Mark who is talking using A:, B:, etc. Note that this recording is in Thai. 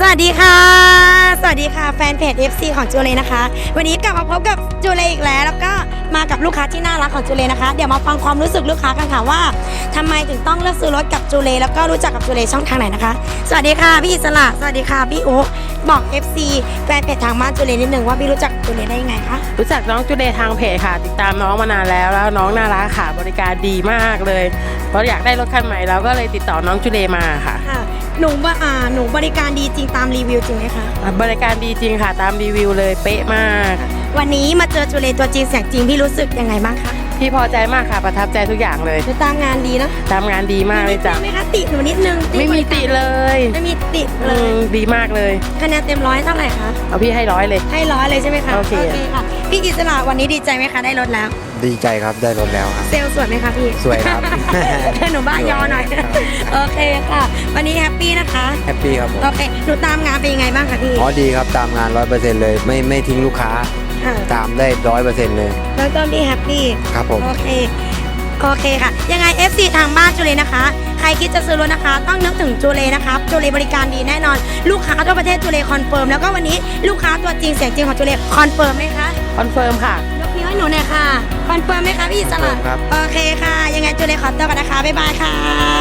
A: สวัสดีค่ะสวัสดีค่ะแฟนเพจ FC ของจูเลนะคะวันนี้กลับมาพบกับจูเลอีกแล้วก็มากับลูกค้าที่น่ารักของจูเลนะคะเดี๋ยวมาฟังความรู้สึกลูกค้ากันค่ะว่าทำไมถึงต้องเลือกซื้อรถกับจูเลแล้วก็รู้จักกับจูเลช่องทางไหนนะคะสวัสดีค่ะพี่อิสระสวัสดีค่ะพี่อุ๊บอก FC แฟนเพจทางบ้านจูเลนิดนึงว่าพี่รู้จักจูเลได้ยังไงคะ
B: รู้จักน้องจูเลทางเพจค่ะติดตามน้องมานานแล้วน้องน่ารักค่ะบริการดีมากเลยเพราะอยากได้รถคันใหม่เราก็เลยติดต่อน้องจูเลมาค่ะ
A: หนูบริการดีจริงตามรีวิวจริงไหมคะ
B: บริการดีจริงค่ะตามรีวิวเลยเป๊ะมาก
A: วันนี้มาเจอจูเลตัวจริงเสียงจริงพี่รู้สึกยังไงบ้างคะ
B: พี่พอใจมากค่ะประทับใจทุกอย่างเลย
A: ตามงานดีนะ
B: ตามงานดีมากเลยจ้ะ
A: ไม่คะติหนูนิดนึง
B: ไม่มีติเลย
A: ไม่มีติเลย
B: ดีมากเลย
A: คะแนนเต็ม100เท่าไหร่คะ
B: เอาพี่ให้100เลย
A: ให้100เลยใช่ไหมคะ
B: โอเค
A: ค่ะพี่อิสระวันนี้ดีใจไหมคะได้รถแล้ว
C: ดีใจครับได้รถแล้วครับ
A: เซลสวยไหมคะพี่
C: สวยครับ
A: หนูบ้ายอหน่อยโอเคค่ะวันนี้แฮปปี้นะคะ
C: แฮปปี้ครับผม
A: โอเคหนูตามงานเป็นยังไงบ้างคะพี่
C: อ๋อดีครับตามงาน 100% เลยไม่ทิ้งลูกค้าตามได้ 100% เลย
A: แล้วต้นพี่แฮปปี้
C: ครับผม
A: โอเคค่ะยังไง FC ทางบ้านจูเลนะคะใครคิดจะซื้อรถนะคะต้องนึกถึงจูเลนะคะจูเลบริการดีแน่นอนลูกค้าทั่วประเทศจูเลคอนเฟิร์มแล้วก็วันนี้ลูกค้าตัวจริงเสียงจริงของจูเลคอนเฟิร์มไหมคะ
B: คอนเฟิร์มค่ะ
A: ยกนิ้วให้หนูหน่อยค่ะคอนเฟิร์มไหมคะพี่อิสระโอเคค่ะยังไงจูเลขอตัวกันนะคะบ๊ายบายค่ะ